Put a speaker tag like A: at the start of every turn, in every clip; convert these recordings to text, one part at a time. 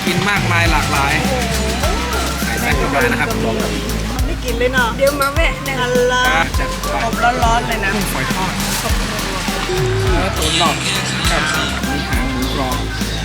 A: กินมากมายหลากหลายใส่แซ่บมานะครับ
B: ไม่กินเลยเนาะเดี๋ยวมาแวะหนึ่งอันละ
A: จัดไป
B: อบร้อนๆเลยนะ
A: กุ้งฝอยทอดเนื้อตุ๋นหลอดกับหมูหางหมูกรอบ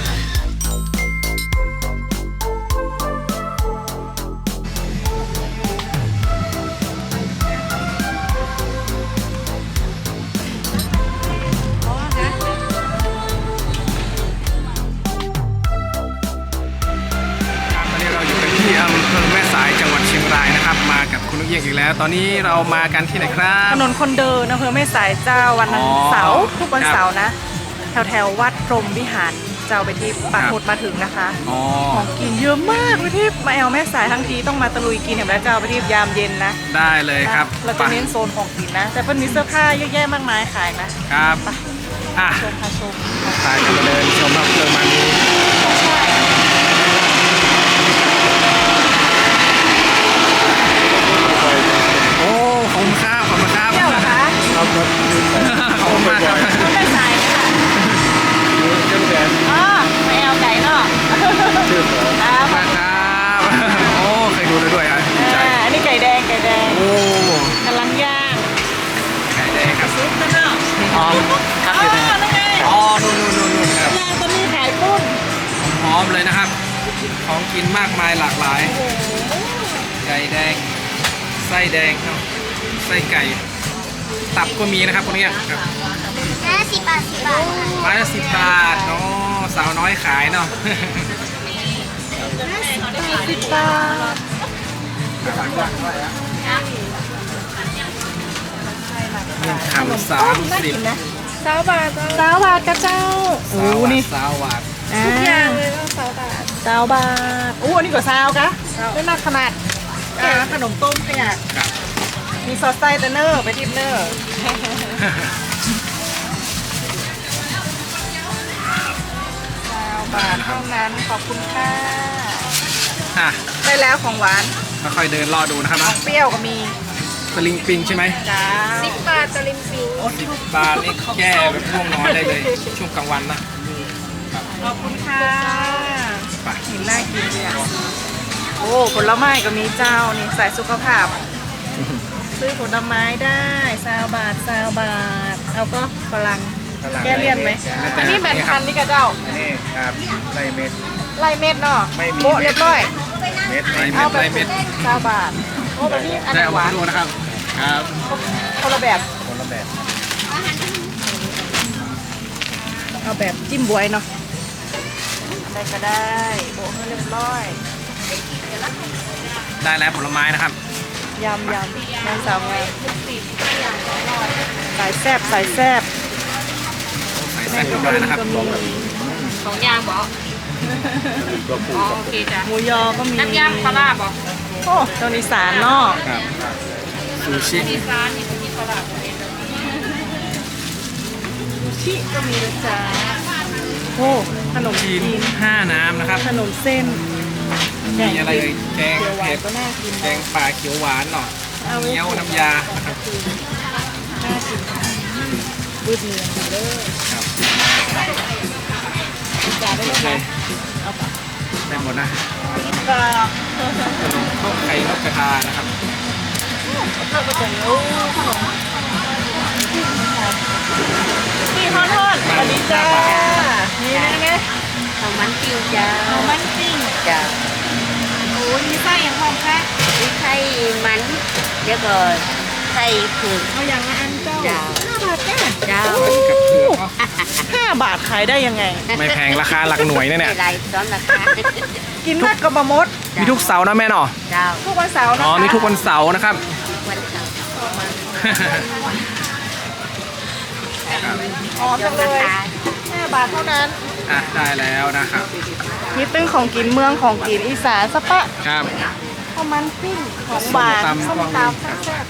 A: ที่อำเภอแม่สายจังหวัดเชียงรายนะครับมากับคุณนุกเยี่ยงอีกแล้วตอนนี้เรามากันที่ไหนครับ
B: ถนนคนเดินอำเภอแม่สายเจ้าวันเสาร์ทุกวันเสาร์นะแถววัดพรหมวิหารเจ้าไปที่ปักหมุดมาถึงนะคะของกินเยอะมากไปที่มาแอลแม่สายทั้งทีต้องมาตะลุยกินเห็นไหมเจ้าไปที่ยามเย็นนะ
A: ได้เลยครับ
B: เราจะเน้นโซนของกินนะแต่เพิ่นมีเสื้อผ้าเยอะแยะมากมายขายนะครับชมค่ะชม
A: ขายกันมาเลยชมครับเรื่องมันนี้โอ้ขอบคุณครับขอบคุณครับ
B: เที่ยวเหรอคะ
A: ขอบคุณขอบคุณมากครับ
B: แม่สายค่ะ
A: เจ้าแดน
B: อ๋อมาแอลไก่เนาะ
A: ชื่อครับครับโอ้เคยดูด้วยอ่ะ
B: อันนี้ไก่แดง
A: โอ้
B: กำลังย่าง
A: ไก่แดงครับ
B: ซุปนะเนาะ
A: อ๋อครับอยู่ไหนอ๋อนู่นครับ
B: ย่างตอนนี้ขายกุ้ง
A: หอมเลยนะครับของกินมากมายหลากหลายไก่แดงไส้แดงครับไส้ไก่ตับก็มีนะครับพวกนี้ครับ
C: 10 บาท
A: ไม้ละ10 บาทเนาะสาวน้อยขายเนาะ
B: 10 บาท
A: ขนม30
B: 20 บาทกระเจ้าโอ้นี่
A: 20 บาท
B: ทุกอย่างเลยต้อง20 บาทโอ้อันนี้ก็20กะไม่น่าขนาดขนมต้มเนี่ยมีซอสไส้เตเนอร์ไปทิปเนอร์บาทเท่านั้นขอบคุณค่ะได้แล้วของหวาน
A: ค่อยๆเดินรอดูนะครับ
B: ของเปรี้ยวก็มี
A: ตะลิงปิงใช่ไหม
B: จ้า10 บาทตะลิงปิง
A: โอ้10 บาทนี่แก้แบบง่วงนอนได้เลยช่วงกลางวันนะ
B: ขอบคุณค่ะเห็นน่ากินเลยโอ้ผลไม้ก็มีเจ้านี่ใส่สุขภาพซื้อผลไม้ได้20 บาทเอาก็ฝรั่งแก้เลี่ยนไหมอันนี้แบนพันนี่กระเจ้า
A: นี่ครับไล่เม็ด
B: เนาะโบ๊ะเรียบร้อย
A: เอาไปเม็ด
B: 20 บาทโอ้แบบนี้อันหวาน
A: นะครับครับ
B: คนละแบบเอาแบบจิ้มบวยเนาะอะไรก็ได้โบ๊ะเรียบร้อย
A: ได้แล้วผลไม้นะครับ
B: ยำสาวไงใส่แซ่บ
A: ใส่แซ่บด้วยนะครับ
C: 2 อย่างบอกโอเคจ้ะ
B: หมูยอก็มี
C: น้ำยำปลาร้าบอก
B: โอ้ตอนอีสานเนาะ
A: ซูชิ
C: ร้านนี่มีปลาร้า
B: ซูชิก็มีนะจ๊ะโอ้ขนมจีน
A: 5 น้ำนะครับ
B: ขนมเส้น
A: มีอะไรแกงเผ็ด
B: ก็น่ากิน
A: แกงป่าเขียวหวานหน่อยเงี้ยวน้ำยานะครับ
B: น่ากินบืดเนื้อเลย
A: ครับ
B: จ่ายได้เลยเอาไป
A: ได้หมดนะ
B: ก็
A: ข้าวไข่นกกระทานะครับ
B: เราก็จะรู้ขนมนี่ทอดอันนี้จ้านี่ไง
C: ของมันปิ้งจ้า
B: ของมันปิ้งจ้าโอ้ยมีไส้อย่างพร้อมค่ะ
C: มีไส้มันเดี๋ยวก่อนไส้ผึ่ง
B: เอาอย่างละอันเจ้า5 บาทจ้า
A: กับเผือก
B: 5 บาทขายได้ยังไง
A: ไม่แพงราคาหลักหน่วยเนี่ย
C: อะไรซ้อนราคา
B: กินมากกับบะมด
A: มีทุกเสาร์นะแม่เนาะ
B: ทุกวันเสาร์นะ
A: มีทุกวันเสาร์นะครับ
C: วันเสาร์
B: จังเลย5 บาทเท่านั้น
A: ได้แล้วนะครับ
B: มีตึ้งของกินเมืองของกินอีสานสปะ
A: ครับ
B: ข้าวมันปิ้งของหวานส้มตำแซ่บ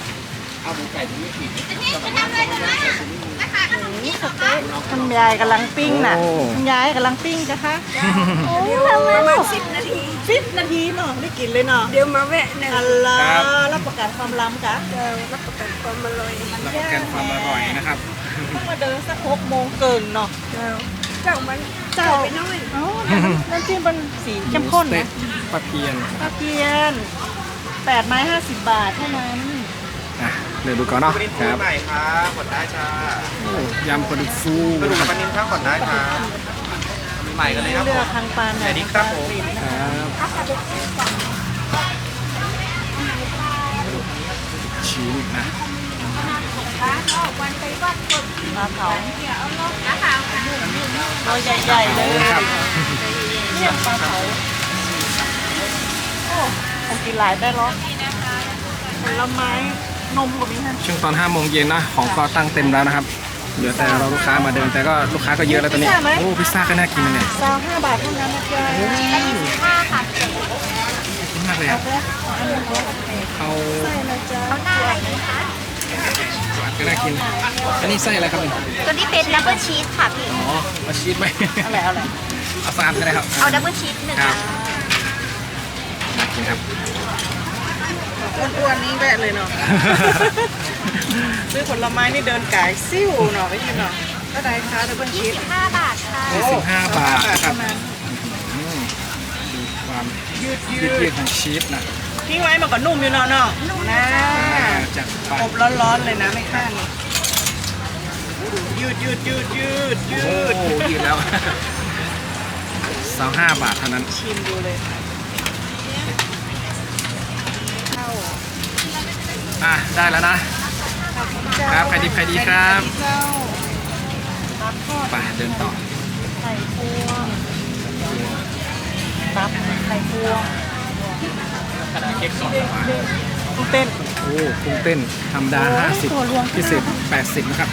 B: นี่สเต๊ะคุณยายกำลังปิ้งน่ะคุณยายกำลังปิ้งจ้ะคะประมาณ10 นาทีเนาะได้กินเลยเนาะ
C: เดี๋ยวมาแวะหนึ่ง
B: อัลลารับประกันความล้ำจ้ะ
C: รับประกันความอร่อย
A: รับประกันความอร่อยนะครับ
B: ต้องมาเดินสัก6 โมงเกินเนาะเจ้าไปน้อยน้ำจิ้มเป็นสีเข้มข้น
A: เต๊ะ
B: นะ
A: ปลาเพียน
B: ตะเกียน8 ไม้ 50 บาทเท่านั้น
A: อ่ะเดี๋ยวดูก่อนเนาะ
D: ปลานิล
A: ค
D: ฟู
A: รับ
D: ใหม่ครับกดได้จ้า
A: โอ้ยำปลาดุกฟู
D: กระดูกปลานิลข้าวกดได้ครับมีใหม่กันเลยครับ
B: เลื
D: ผ
B: อก
D: ม
B: ทางปลาหน่
D: แต่
B: อย
D: นี้ครับผม
A: ครับชิ้นนะ
B: ปลาเผาตัวใหญ่ๆเลย
A: ครับ
B: เนี่ยปลาเผาโอ้ผมกินหลายได้หรอผลไม้นมกับมีฮะ
A: ช่วงตอน5 โมงเย็นนะของก็ตั้งเต็มแล้วนะครับเหลือแต่เราลูกค้ามาเดินแต่ก็ลูกค้าก็เยอะแล้วตอนนี้โอ้พิซซ่าก็น่ากินนะเนี่ย
B: 25 บาทเท่านั้นนะจ๊ะ
A: กินมากเลยอ่ะเอา
B: ใช่นะจ๊ะ
A: หวานก็น่ากินอันนี้ไส้อะไรครับเนี่ย
C: ตัวนี้เป็นดับเบิลชีสค่ะพี่
A: อ๋อเอาชีสไหม
B: อะไร
A: เอาสามก็ได้ครับ
C: เอาดับเบิลชีสหนึ่ง
A: ครับน่ากินครับ
B: อ้วนๆนี่แวะเลยเนาะ ซื้อผลไม้นี่เดินไก่ซิ่วเนาะไม่ใช่เนาะก็ได้ค่ะดับเบิลชีส
C: 5 บาทค่ะ
A: 25 บาทนะครับ
B: เท่านั้น
A: อืมดูความ
B: ยืด
A: ยืดของชีสนะ
B: ทิ้งไว้มันก็นุ่มอยู่เนาะเนาะนะ
A: จากไป
B: อบร้อนๆเลยนะไม่ข้างยืด
A: โอ้ยืดแล้ว25 บาทเท่านั้น
B: ชิมดูเลยเข้า
A: อ่ะได้แล้วนะ ครับใครดีใครดีครับ
B: เจ้าตับทอด
A: ไปเดินต่อ
B: ไข่พวงตับไข่พวง
A: เค้กสดมา
B: กุ้งเต้น
A: โอ้กุ้งเต้นธรรมดา
B: ตัวรวม
A: 50พิเศษ80นะครับ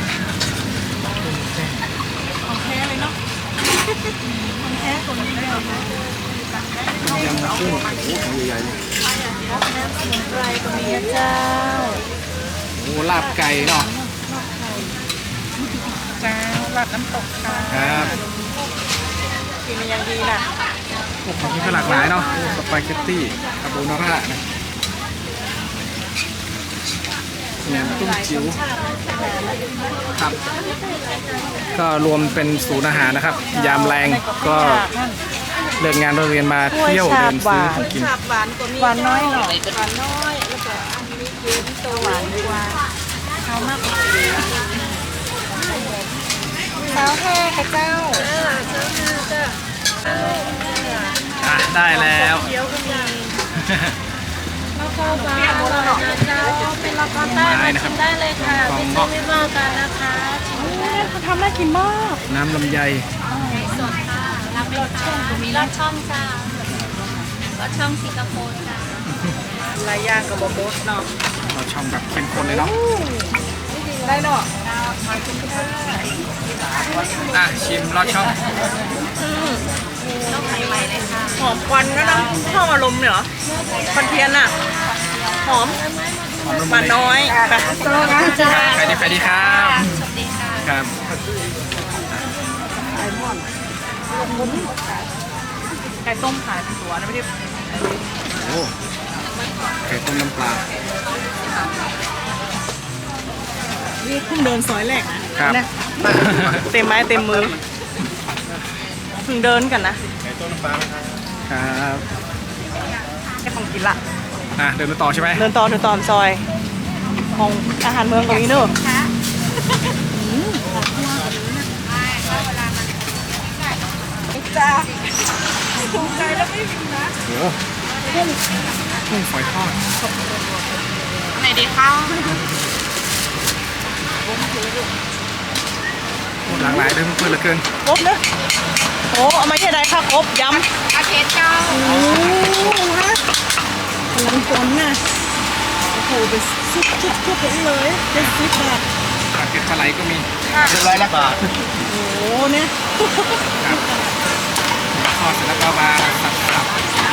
B: ของแท้เลยเนาะของแท้ตัวนี้เลยนะ
A: ยำกุ้งโอ้ของใหญ่ๆเลย
B: น้ำสมุนไพรตัวนี้นะเจ้า
A: โอ้ลาบไก่เนาะ
B: เจ้าลาดน้ำตกค่ะ
A: ครับ
B: กินมันยังดีน่ะ
A: โอ้ของที่ก็หลากหลายเนาะโอ้สปาเกตตี้คาโบนาร่านะแหนมตุ้มจิ๋วครับ ก็รวมเป็นศูนย์อาหารนะครับ ยามแรงก็เลิกงานเรียนมาเที่ยวเดินซื้อของกิน
B: หวานน้อยหน่อยหวานน้อยแล้วก็อันนี้เย็นตัวหวานดีกว่าเอามากกว่าสาวแท้ค่ะเจ้าเจ้าเจ้า
A: อ่ะได้แล้ว
B: เคี้ยวก็มี
C: แล้วก็ปลาอร่อยนะเจ้าเป็นราคาใต้มาชิมได้เลยค่ะไม่ซื้อไม่ว่ากันนะคะชิมได้
B: เขาทำน่ากินมาก
A: น้ำลำไย
C: สดค่ะรับเป็นช่องมีลอดช่องจ้าลอดช่องสิงคโปร์จ้า
B: ลายย่างกับบะโบสเนาะ
A: เราช่องแบบเข้มข้นเลยเนาะ
B: ได้เนาะ
A: อ่ะชิมลอดช่อง
C: ต้องใหม่ๆเลยค่ะ
B: หอมควันก็นะชอบอารมณ์เหรอควันเทียนอ่ะ หอม
A: หอมละมุ
B: ปลาน น้อยค่ะ
A: ใครดีใครดีครับ
C: สวัสดีค่ะ
A: ครับ
B: ไก่ต้มขายเป็นตัวนะไม่ได้
A: โอ้ไก่ต้มน้ำปลา
B: นี่เพิ่งเดินซอยแรกนะครับ นะเต็มไม้เต็มมือเพิ่งเดินกันนะ
D: ไก่ต้มน้ำปลาไหมครับ
A: ครับ
B: แค่ของกินละ
A: อ่ะเดินมาต่อใช่ไหม
B: เดินต่อซอยของอาหารเมืองกับนี้เนอะจ้าถูกใจแล้วไม่มีนะ
A: โอ้กุ้งฝอยทอด
C: ไหนดีข้าว
A: โอ้หลากหลายเลยเพื่อนๆเหลือเกิน
B: ครบเนอะโอ้เอามาแค่ใดค่ะครบย้ำ
C: อาเทสเจ้า
B: โอ้ฮะพลังฝนน่ะโอ้โหเป็นชุบๆเลยเป็นซิปแบบ
A: ปลาเก็ตปลาไหลก็มี
D: 100 บาท
B: โอ้โหเนี่ย
A: ครับทอดเสร็จแล้วก็มาสับนะครับ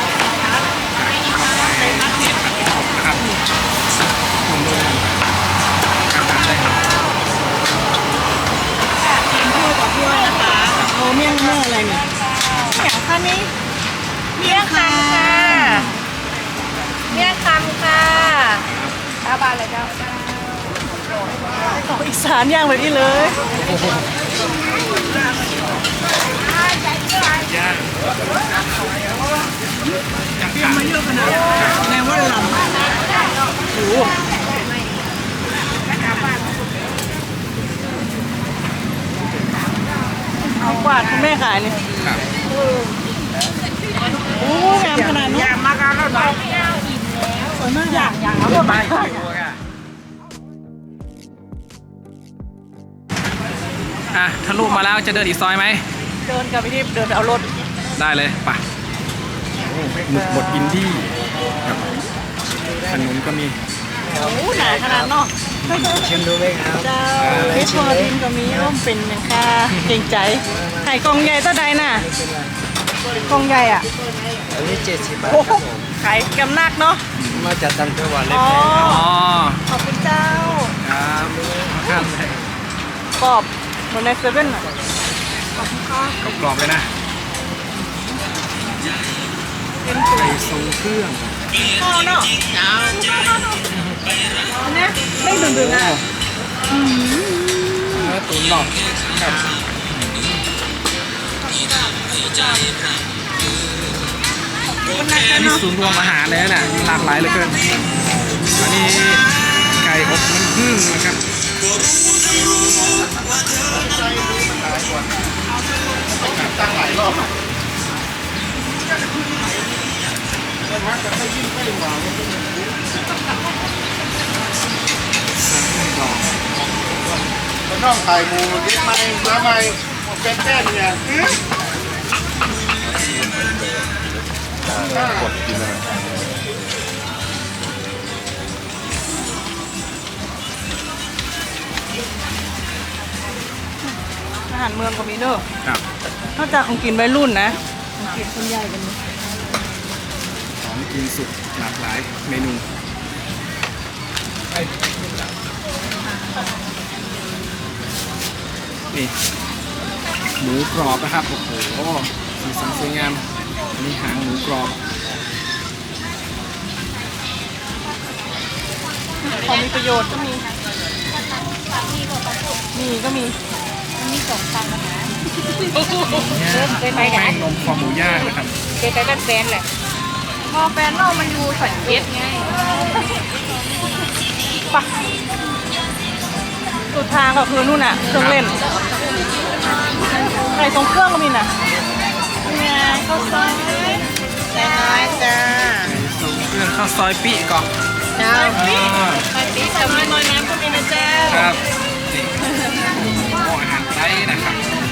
A: ผมดูครับได้ครับ
B: กินคู่กับถ้วยนะคะโอ้เมี่ยงอะไรเนี่ยอย่างค่ะนี่เมี่ยงคำค่ะ
C: เมี่ยงคำค่ะ5 บาทเลยเจ้า
B: ของอีสานย่างแบบนี้เลย
A: โอ้โหย่างจังขามาเยอะขนาดแนวว่าลำโอ้
B: เอากวาดคุณแม่ขายนี่
A: ครับ
B: โอ้งามขนาดนี้
D: ยามากแล้วเนาะ
B: สวยมากอย่างเอาหมดไป
A: ทะลุมาแล้วจะเดินอีกซอยไหม
B: เดินกลับไปที่เดินไปเอารถ
A: ได้เลยไปหมึกบดอินดี้ครับขนมก็มี
B: โอ้หนาขนาดเนาะ
D: ชิมดูไหมครับ
B: เจ้าเพชรพอดินก็มีร่มเป็นอย่างค่าเก่งใจไข่กองใหญ่เท่าใดน่ะกองใหญ่อ่ะ
D: อันนี้70 บาท
B: โอ้โหขายกำนักเนาะ
D: มาจากต่างจังหวัดเลย
B: อ๋อ
A: อ๋อ
B: ขอบคุณเจ้า
A: ครับข้ามเลย
B: กรอบเหมือนในเซเว่นอ่ะขอบคุณค่ะ
A: กรอบๆเลยนะไก่ทรงเครื่อง
B: ข้าวเนาะอันนี้ไม่ดึงๆอ่ะ
A: เนื้อตุ๋นหน่อครับ
B: มันหนัก
A: อั
B: กัน น
A: นี้
B: เนาะ
A: ศูนย์รวมอาหารเลยนะหลากหลายเหลือเกินอันนี้ไก่อบน้ำผึ้งนะครับ
E: น้องไข่หมูเล็กไหมแล้วไหมเป็นแป้นเนี่ยกดกินอะไร
B: อาหารเมืองก็มีเด้อ
A: ครับ
B: นอกจากของกินวัยรุ่นนะของกินคนใหญ่กันนี้
A: ของกินสุกหลากหลายเมนูนี่หมูกรอบนะครับโอ้โหสีสันสวยงามอันนี้หางหมูกรอบ
B: ของมีประโยชน์ก็มีนี่ก็มี
A: แป้งนมคอหมูย่างนะครับ
C: เป็นไปเป็นแฟนแหละ
B: พอแฟนเรามันอยู่สัญเกตไงปะสุดทางก็คือนู่นน่ะเครื่องเล่นไข่ทรงเครื่องก็มีน่ะไงข้าวซอยแซ่น้อยจ้า
A: ส่งเครื่องข้าวซอยปีก่อน
B: เจ้า
A: อ๋อ
B: ไข่ปีกับน้อยน้ำก็มีนะเจ้า
A: ครับนี่โอ้อาหารไทยนะครับ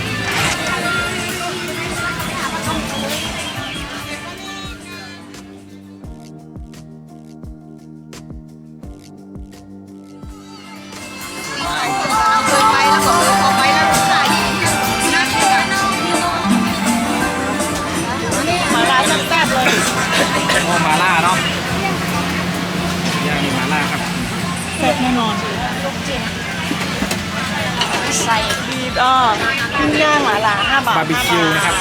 B: เคยไปแล้วก็พอไปแล้วใส่หมาลาแซ่บๆเลย
A: โอ้มาล่าเนาะย่างมีมาล่าครับ
B: แซ่บแน่นอน
C: ใส่
B: บีบปิ้งย่างหมาล่า5 บาท
A: บาร์บีคิวนะครับ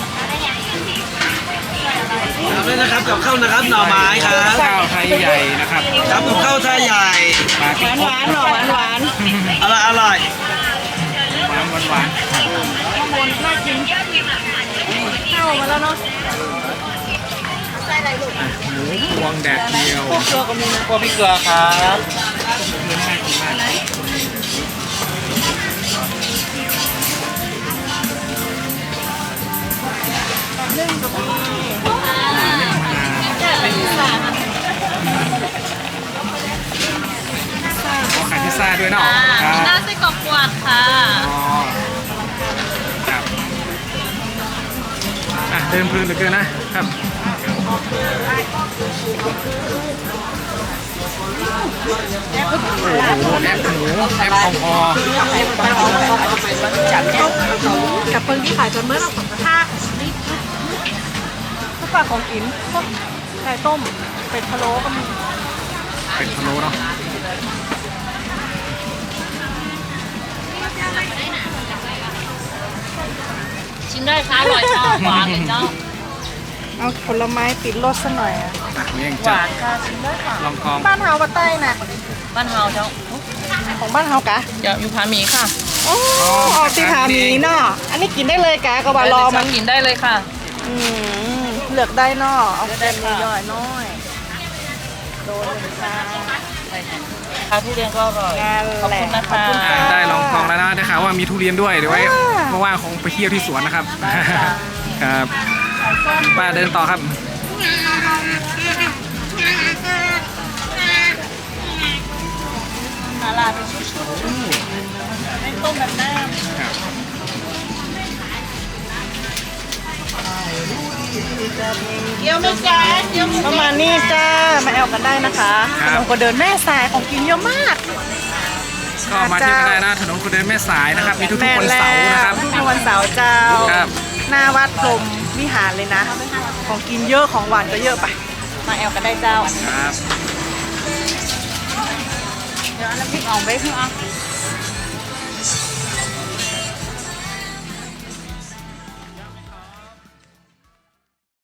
D: ด้วยนะครับกับข้าวนะครับหน่อไม้ครับ
A: ข้าวไทยใหญ่นะครับ
D: ครับกับข้าวไทยใหญ่
A: ปลา
B: ห
A: พริก
B: วานหวานๆหน่อหวาน
D: อร่อยอร่อย
A: หวานหวาน
B: ๆข้างบนน่ากินเข้ามาแล้วเนาะ
A: หมูพวงแดดเดียว
B: พวกเกลือก็มีนะ
D: พวกพริกเกลือครับ
A: เนื้อน่ากินมาก
B: นึ่งก็มี
A: เป็นขอขายพิซซ่าด้วยเนาะครับ
C: หน้าไส้กรอกกวาดค่ะ
A: อ๋อครับเดินเพลินเหลือเกินนะครับโอ้โหแอปหมูแอปพอ
C: กับเพิ่งที่ขายจนเมื่อเราสองกระทะ
B: พวกปลาของกินพวกไก่ต้มเป็ดพะโล้ก็มี
A: เป็นพะโล้เนาะ
C: ชิมได้ค่ะอร่อยค่ะหวานเลยเจ้า
B: เอาผลไม้ติดรสซะหน่อยอ่ะ
A: เมี่ยง
B: ห
A: จั
B: วา
A: ด
B: นค่ะชิมได้ค่ะ
A: ลองกอง
B: บ้านเฮาปะใต้น่ะ
C: บ้านเฮาเจ้า
B: ของบ้านเฮากะ
C: เดี๋ยวอยู่ผาหมีค่ะ
B: อโอ้ออกที่ผาหมีเนาะอันนี้กินได้เลยกะกะว่ารอมัน
C: กินได้เลยค่ะ
B: เลือกได้เนาะเอาเต็มย่อยๆน้อยโดนหนึ่งค่ะ
C: ทานทุเรียนก็อร่อย
B: งาน
C: ขอบ
B: แหละ
C: คุณนะ
B: ขอบ
C: คะ
B: คุณค่ะ
A: ได้ลองกองแล้วนะได้ข่าวว่ามีทุเรียนด้วยเดี๋ยวไว้ว่างๆคงไปเที่ยวที่สวนนะครับครับป้าเดินต่อครับ
B: มาลาเป็นชุดๆไม่ต้มแบบน้ำเกี๊ยวไม่จ้าเกี๊ยวประมาณนี้จ้ามาแอลกันได้นะคะขนมก็เดินแม่สายของกินเยอะมาก
A: ก็มาเที่ยวกันได้นะถนนคนเดินแม่สายนะครับมีทุกๆวันเสาร์นะครับ
B: ทุกวันเสาร์เจ้า
A: ครับ
B: หน้าวัดพรหมวิหารเลยนะ ของกินเยอะของหวานก็เยอะไป มาแอลกันได้เจ้า
A: ครับ
C: เดี๋ยวน้ำพริกอ่องไปพี่อ่ะ